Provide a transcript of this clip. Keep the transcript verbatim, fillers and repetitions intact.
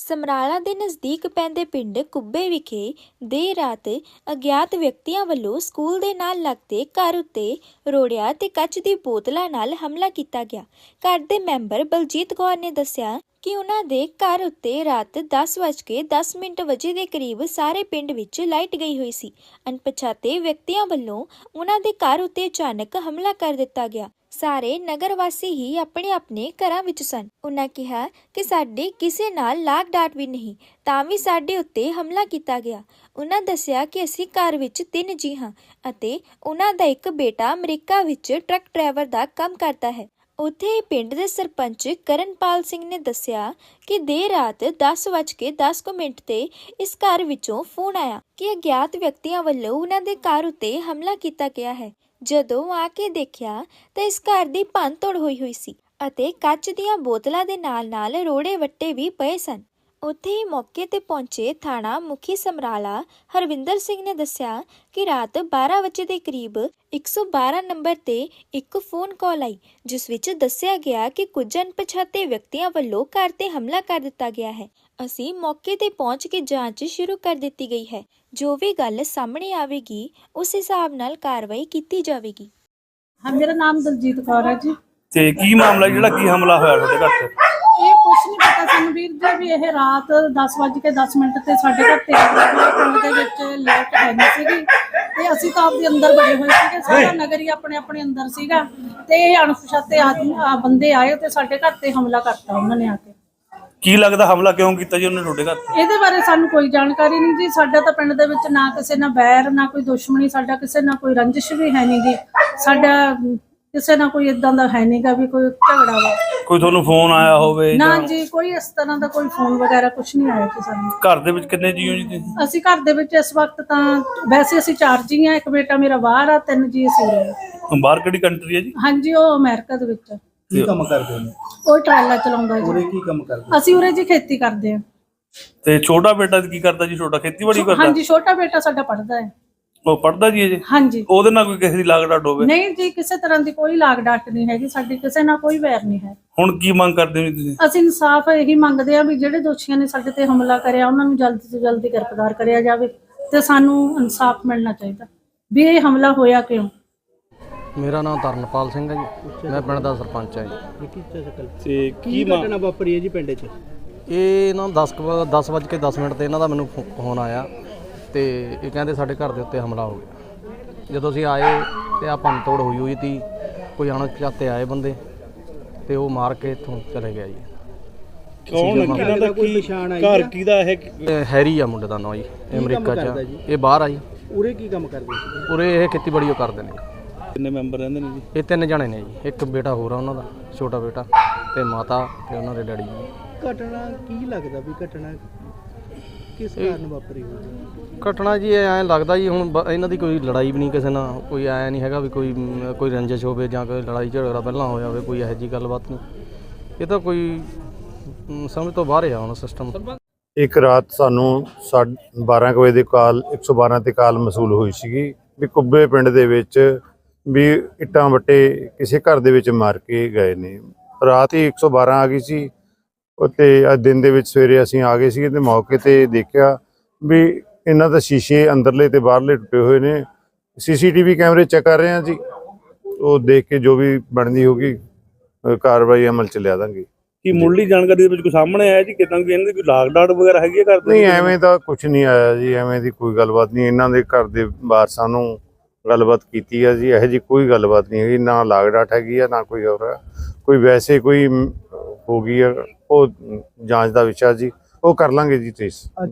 ਸਮਰਾਲਾ ਦੇ ਨਜ਼ਦੀਕ ਪੈਂਦੇ ਪਿੰਡ ਕੁੱਬੇ ਵਿਖੇ ਦੇਰ ਰਾਤ ਅਗਿਆਤ ਵਿਅਕਤੀਆਂ ਵੱਲੋਂ ਸਕੂਲ ਦੇ ਨਾਲ ਲੱਗਦੇ ਘਰ ਉੱਤੇ ਰੋੜਿਆਂ ਤੇ ਕੱਚ ਦੀ ਬੋਤਲਾਂ ਨਾਲ ਹਮਲਾ ਕੀਤਾ ਗਿਆ। ਘਰ ਦੇ ਮੈਂਬਰ ਬਲਜੀਤ ਕੌਰ ਨੇ ਦੱਸਿਆ ਕਿ ਉਹਨਾਂ ਦੇ ਘਰ ਉੱਤੇ ਰਾਤ ਦਸ ਵੱਜ ਕੇ ਦਸ ਮਿੰਟ ਵਜੇ ਦੇ ਕਰੀਬ ਸਾਰੇ ਪਿੰਡ ਵਿੱਚ ਲਾਈਟ ਗਈ ਹੋਈ ਸੀ। ਅਣਪਛਾਤੇ ਵਿਅਕਤੀਆਂ ਵੱਲੋਂ ਉਹਨਾਂ ਦੇ ਘਰ ਉੱਤੇ ਅਚਾਨਕ ਹਮਲਾ ਕਰ ਦਿੱਤਾ ਗਿਆ। ਸਾਰੇ ਨਗਰ ਵਾਸੀ ਹੀ ਆਪਣੇ ਆਪਣੇ ਘਰਾਂ ਵਿੱਚ ਸਨ। ਉਹਨਾਂ ਕਿਹਾ ਕਿ ਸਾਡੇ ਕਿਸੇ ਨਾਲ ਲਾਗ ਡਾਟ ਵੀ ਨਹੀਂ, ਤਾਂ ਵੀ ਸਾਡੇ ਉੱਤੇ ਹਮਲਾ ਕੀਤਾ ਗਿਆ। ਉਹਨਾਂ ਦੱਸਿਆ ਕਿ ਅਸੀਂ ਘਰ ਵਿੱਚ ਤਿੰਨ ਜੀ ਹਾਂ ਅਤੇ ਉਹਨਾਂ ਦਾ ਇੱਕ ਬੇਟਾ ਅਮਰੀਕਾ ਵਿੱਚ ਟਰੱਕ ਡਰਾਈਵਰ ਦਾ ਕੰਮ ਕਰਦਾ ਹੈ। ਉੱਥੇ ਪਿੰਡ ਦੇ ਸਰਪੰਚ ਕਰਨਪਾਲ ਸਿੰਘ ਨੇ ਦੱਸਿਆ ਕਿ ਦੇਰ ਰਾਤ ਦਸ ਵੱਜ ਕੇ ਦਸ ਕੁ ਮਿੰਟ ਤੇ ਇਸ ਘਰ ਵਿੱਚੋਂ ਫੋਨ ਆਇਆ ਕਿ ਅਗਿਆਤ ਵਿਅਕਤੀਆਂ ਵੱਲੋਂ ਉਹਨਾਂ ਦੇ ਘਰ ਉੱਤੇ ਹਮਲਾ ਕੀਤਾ ਗਿਆ ਹੈ। ਜਦੋਂ ਆ ਕੇ ਦੇਖਿਆ ਤਾਂ ਇਸ ਘਰ ਦੀ ਭੰਨ ਤੋੜ ਹੋਈ ਹੋਈ ਸੀ ਅਤੇ ਕੱਚ ਦੀਆਂ ਬੋਤਲਾਂ ਦੇ ਨਾਲ ਨਾਲ ਰੋੜੇ ਵੱਟੇ ਵੀ ਪਏ ਸਨ। ਉੱਥੇ ਹੀ ਮੌਕੇ ਤੇ ਪਹੁੰਚੇ ਥਾਣਾ ਮੁਖੀ ਸਮਰਾਲਾ ਹਰਵਿੰਦਰ ਸਿੰਘ ਨੇ ਦੱਸਿਆ ਕਿ ਰਾਤ ਬਾਰਾਂ ਵਜੇ ਦੇ ਕਰੀਬ ਇੱਕ ਸੌ ਬਾਰਾਂ ਨੰਬਰ ਤੇ ਇੱਕ ਫੋਨ ਕਾਲ ਆਈ, ਜਿਸ ਵਿੱਚ ਦੱਸਿਆ ਗਿਆ ਕਿ ਕੁਝ ਅਣਪਛਾਤੇ ਵਿਅਕਤੀਆਂ ਵੱਲੋਂ ਘਰ ਤੇ ਹਮਲਾ ਕਰ ਦਿੱਤਾ ਗਿਆ ਹੈ। ਅਸੀਂ ਮੌਕੇ ਤੇ ਪਹੁੰਚ ਕੇ ਜਾਂਚ ਸ਼ੁਰੂ ਕਰ ਦਿੱਤੀ ਗਈ ਹੈ। ਜੋ ਵੀ ਗੱਲ ਸਾਹਮਣੇ ਆਵੇਗੀ ਉਸ ਹਿਸਾਬ ਨਾਲ ਕਾਰਵਾਈ ਕੀਤੀ ਜਾਵੇਗੀ। ਹਾਂ, ਮੇਰਾ ਨਾਮ ਦਲਜੀਤ ਕੌਰ ਹੈ ਜੀ। ਤੇ ਕੀ ਮਾਮਲਾ ਜਿਹੜਾ ਕੀ ਹਮਲਾ ਹੋਇਆ ਤੁਹਾਡੇ ਘਰ ਤੇ? ਇਹ ਕੁਛ ਨਹੀਂ ਪਤਾ ਸਾਨੂੰ ਵੀਰ ਜੀ, ਵੀ ਇਹ ਰਾਤ ਦਸ ਵੱਜ ਕੇ ਦਸ ਮਿੰਟ ਤੇ ਸਾਡੇ ਘਰ ਤੇ ਪਿੰਡ ਦੇ ਵਿੱਚ ਲਾਈਟ ਹੈ ਨਹੀਂ ਸੀਗੀ ਤੇ ਅਸੀਂ ਤਾਂ ਆਪਦੇ ਅੰਦਰ ਬੜੇ ਹੋਏ ਸੀਗੇ। ਸਾਰਾ ਨਗਰ ਹੀ ਆਪਣੇ ਆਪਣੇ ਅੰਦਰ ਸੀਗਾ ਤੇ ਇਹ ਅਣਪਛਾਤੇ ਆਦਮੀ ਬੰਦੇ ਆਏ ਤੇ ਸਾਡੇ ਘਰ ਤੇ ਹਮਲਾ ਕਰਤਾ ਉਹਨਾਂ ਨੇ ਆ ਕੇ। ਕੀ ਲੱਗਦਾ ਹਮਲਾ ਕਿਉਂ ਕੀਤਾ ਜੀ ਉਹਨੇ ਤੁਹਾਡੇ ਘਰ ਤੇ? ਇਹਦੇ ਬਾਰੇ ਸਾਨੂੰ ਕੋਈ ਜਾਣਕਾਰੀ ਨਹੀਂ ਜੀ। ਸਾਡਾ ਤਾਂ ਪਿੰਡ ਦੇ ਵਿੱਚ ਨਾ ਕਿਸੇ ਨਾਲ ਬੈਰ, ਨਾ ਕੋਈ ਦੁਸ਼ਮਣੀ, ਸਾਡਾ ਕਿਸੇ ਨਾਲ ਕੋਈ ਰੰਜਿਸ਼ ਵੀ ਹੈ ਨਹੀਂ ਗੀ। ਸਾਡਾ ਕਿਸੇ ਨਾਲ ਕੋਈ ਇਦਾਂ ਦਾ ਹੈ ਨਹੀਂਗਾ ਵੀ ਕੋਈ ਝਗੜਾ ਵਾ। ਕੋਈ ਤੁਹਾਨੂੰ ਫੋਨ ਆਇਆ ਹੋਵੇ? ਨਾ ਜੀ, ਕੋਈ ਇਸ ਤਰ੍ਹਾਂ ਦਾ ਕੋਈ ਫੋਨ ਵਗੈਰਾ ਕੁਝ ਨਹੀਂ ਆਇਆ ਜੀ ਸਾਨੂੰ। ਘਰ ਦੇ ਵਿੱਚ ਕਿੰਨੇ ਜੀ ਹੋ ਜੀ ਤੁਸੀਂ? ਅਸੀਂ ਘਰ ਦੇ ਵਿੱਚ ਇਸ ਵਕਤ ਤਾਂ ਵੈਸੇ ਅਸੀਂ ਚਾਰ ਜੀ ਆ। ਇੱਕ ਬੇਟਾ ਮੇਰਾ ਬਾਹਰ ਆ, ਤਿੰਨ ਜੀ ਅਸੀਂ ਉਰੇ। ਬਾਹਰ ਕਿਹੜੀ ਕੰਟਰੀ ਹੈ ਜੀ? ਹਾਂਜੀ, ਉਹ ਅਮਰੀਕਾ ਦੇ ਵਿੱਚ। ਕੀ ਕੰਮ ਕਰਦੇ ਨੇ? ਉਹ ਟਰਾਲਾ ਚਲਾਉਂਦਾ ਜੀ। ਉਰੇ ਕੀ ਕੰਮ ਕਰਦੇ? ਅਸੀਂ ਉਰੇ ਜੀ ਖੇਤੀ ਕਰਦੇ ਆ। ਤੇ ਛੋਟਾ ਬੇਟਾ ਕੀ ਕਰਦਾ ਜੀ? ਛੋਟਾ ਖੇਤੀਬਾੜੀ ਕਰਦਾ? ਹਾਂਜੀ, ਛੋਟਾ ਬੇਟਾ ਸਾਡਾ ਪੜ੍ਹਦਾ ਹੈ। ਉਹ ਪੜ੍ਹਦਾ ਜੀ ਅਜੇ? ਹਾਂਜੀ। ਉਹਦੇ ਨਾਲ ਕੋਈ ਕਿਸੇ ਦੀ ਲਾਗ ਡਾਟ ਹੋਵੇ? ਨਹੀਂ ਜੀ, ਕਿਸੇ ਤਰ੍ਹਾਂ ਦੀ ਕੋਈ ਲਾਗ ਡਾਟ ਨਹੀਂ ਹੈਗੀ ਸਾਡੀ, ਕਿਸੇ ਨਾਲ ਕੋਈ ਵੈਰ ਨਹੀਂ ਹੈ। ਹੁਣ ਕੀ ਮੰਗ ਕਰਦੇ ਹੋ ਜੀ ਤੁਸੀਂ? ਅਸੀਂ ਇਨਸਾਫ ਇਹੀ ਮੰਗਦੇ ਆ ਵੀ ਜਿਹੜੇ ਦੋਸ਼ੀਆਂ ਨੇ ਸਾਡੇ ਤੇ ਹਮਲਾ ਕਰਿਆ ਉਹਨਾਂ ਨੂੰ ਜਲਦੀ ਤੋਂ ਜਲਦੀ ਗ੍ਰਿਫਤਾਰ ਕਰਿਆ ਜਾਵੇ ਤੇ ਸਾਨੂੰ ਇਨਸਾਫ ਮਿਲਣਾ ਚਾਹੀਦਾ ਵੀ ਇਹ ਹਮਲਾ ਹੋਇਆ ਕਿਉਂ। ਮੇਰਾ ਨਾਮ ਤਰਨਪਾਲ ਸਿੰਘ ਹੈ ਜੀ, ਮੈਂ ਪਿੰਡ ਦਾ ਸਰਪੰਚ ਹਾਂ ਜੀ। ਤੇ ਕੀ ਘਟਨਾ ਵਾਪਰੀ ਹੈ ਜੀ ਪਿੰਡ 'ਚ? ਇਹ ਨਾ ਦਸ ਦਸ ਵੱਜ ਕੇ ਦਸ ਮਿੰਟ ਤੇ ਇਹਨਾਂ ਦਾ ਮੈਨੂੰ ਫੋਨ ਆਇਆ ਤੇ ਇਹ ਕਹਿੰਦੇ ਸਾਡੇ ਘਰ ਦੇ ਉੱਤੇ ਹਮਲਾ ਹੋ ਗਿਆ। ਜਦੋਂ ਅਸੀਂ ਆਏ ਤੇ ਆ ਭੰਨ ਤੋੜ ਹੋਈ ਹੋਈ ਤੀ, ਕੋਈ ਅਣਪਛਾਤੇ ਆਏ ਬੰਦੇ ਤੇ ਉਹ ਮਾਰ ਕੇ ਇੱਥੋਂ ਚਲੇ ਗਿਆ ਜੀ। ਕੌਣ ਕਿਹਨਾਂ ਦਾ ਕੀ ਪਛਾਣ ਆਈ? ਘਰ ਕਿਹਦਾ ਇਹ? ਇਹ ਹੈਰੀ ਆ ਮੁੰਡੇ ਦਾ ਨਾਂ ਜੀ, ਇਹ ਅਮਰੀਕਾ 'ਚ। ਇਹ ਬਾਹਰ ਆ ਜੀ। ਉਰੇ ਕੀ ਕੰਮ ਕਰਦੇ ਸੀ? ਉਰੇ ਇਹ ਖੇਤੀਬਾੜੀ ਉਹ ਕਰਦੇ ਨੇ। ਕਿੰਨੇ ਮੈਂਬਰ ਰਹਿੰਦੇ ਨੇ ਜੀ? ਇਹ ਤਿੰਨ ਜਣੇ ਨੇ ਜੀ, ਇੱਕ ਬੇਟਾ ਹੋਰ ਆ ਉਹਨਾਂ ਦਾ, ਛੋਟਾ ਬੇਟਾ, ਤੇ ਮਾਤਾ ਤੇ ਉਹਨਾਂ ਦੇ ਡੈਡੀ ਜੀ। ਘਟਨਾ ਕੀ ਲੱਗਦਾ ਵੀ ਘਟਨਾ ਕਿਸ ਕਾਰਨ ਵਾਪਰੀ ਹੋਈ? ਘਟਨਾ ਜੀ ਐਂ ਲੱਗਦਾ ਜੀ ਹੁਣ ਬ- ਇਹਨਾਂ ਦੀ ਕੋਈ ਲੜਾਈ ਵੀ ਨਹੀਂ ਕਿਸੇ ਨਾਲ, ਕੋਈ ਐਂ ਨਹੀਂ ਹੈਗਾ ਵੀ ਕੋਈ ਮ, ਕੋਈ ਰੰਜਿਸ਼ ਹੋਵੇ ਜਾਂ ਕੋਈ ਲੜਾਈ ਝਗੜਾ ਪਹਿਲਾਂ ਹੋਇਆ ਹੋਵੇ, ਕੋਈ ਇਹੋ ਜਿਹੀ ਗੱਲਬਾਤ ਨਹੀਂ। ਇਹ ਤਾਂ ਕੋਈ ਮ, ਸਮਝ ਤੋਂ ਬਾਹਰ ਆ ਹੁਣ ਸਿਸਟਮ। ਇੱਕ ਰਾਤ ਸਾਨੂੰ ਸਾਢੇ ਬਾਰਾਂ ਕੁ ਵਜੇ ਦੀ ਕਾਲ ਇੱਕ ਸੌ ਬਾਰਾਂ ਤੇ ਕਾਲ ਮਸੂਲ ਹੋਈ ਸੀਗੀ ਵੀ ਕੁੱਬੇ ਪਿੰਡ ਦੇ ਵਿੱਚ ਵੀ ਇੱਟਾਂ ਵੱਟੇ ਕਿਸੇ ਘਰ ਦੇ ਵਿੱਚ ਮਾਰ ਕੇ ਗਏ ਨੇ। ਰਾਤ ਹੀ ਇੱਕ ਸੌ ਬਾਰਾਂ ਆ ਗਈ ਸੀ ਅਤੇ ਅੱਜ ਦਿਨ ਦੇ ਵਿੱਚ ਸਵੇਰੇ ਅਸੀਂ ਆ ਗਏ ਸੀ ਤੇ ਮੌਕੇ ਤੇ ਦੇਖਿਆ ਵੀ ਇਹਨਾਂ ਦਾ ਸ਼ੀਸ਼ੇ ਅੰਦਰਲੇ ਤੇ ਬਾਹਰਲੇ ਟੁੱਟੇ ਹੋਏ ਨੇ। ਸੀਸੀਟੀਵੀ ਕੈਮਰੇ ਚੈੱਕ ਕਰ ਰਹੇ ਹਾਂ ਜੀ, ਉਹ ਦੇਖ ਕੇ ਜੋ ਵੀ ਬਣਦੀ ਹੋਗੀ ਕਾਰਵਾਈ ਅਮਲ ਚ ਲਿਆ ਦਾਂਗੇ। ਕੀ ਮੁੱਢਲੀ ਜਾਣਕਾਰੀ ਦੇ ਵਿੱਚ ਕੋਈ ਸਾਹਮਣੇ ਆਇਆ ਜੀ ਕਿਦਾਂ ਕਿ ਇਹਨਾਂ ਦੀ ਕੋਈ ਲਾਗ ਡਾਟ ਵਗੈਰਾ ਹੈਗੀ ਹੈ ਘਰ ਦੇ? ਨਹੀਂ, ਐਵੇਂ ਦਾ ਕੁਝ ਨਹੀਂ ਆਇਆ ਜੀ, ਐਵੇਂ ਦੀ ਕੋਈ ਗੱਲਬਾਤ ਨਹੀਂ। ਇਹਨਾਂ ਦੇ ਘਰ ਦੇ ਵਾਰਸਾਂ ਨੂੰ ਗੱਲਬਾਤ ਕੀਤੀ ਆ ਜੀ, ਇਹੋ ਜਿਹੀ ਕੋਈ ਗੱਲਬਾਤ ਨਹੀਂ ਹੈਗੀ, ਨਾ ਲਾਗ ਡਾਟ ਹੈਗੀ ਆ ਨਾ ਕੋਈ ਹੋਰ। ਕੋਈ ਵੈਸੇ ਕੋਈ ਹੋ ਗਈ ਆ, ਉਹ ਜਾਂਚ ਦਾ ਵਿਸ਼ਾ ਜੀ, ਉਹ ਕਰ ਲਾਂਗੇ ਜੀ। ਤੇਸ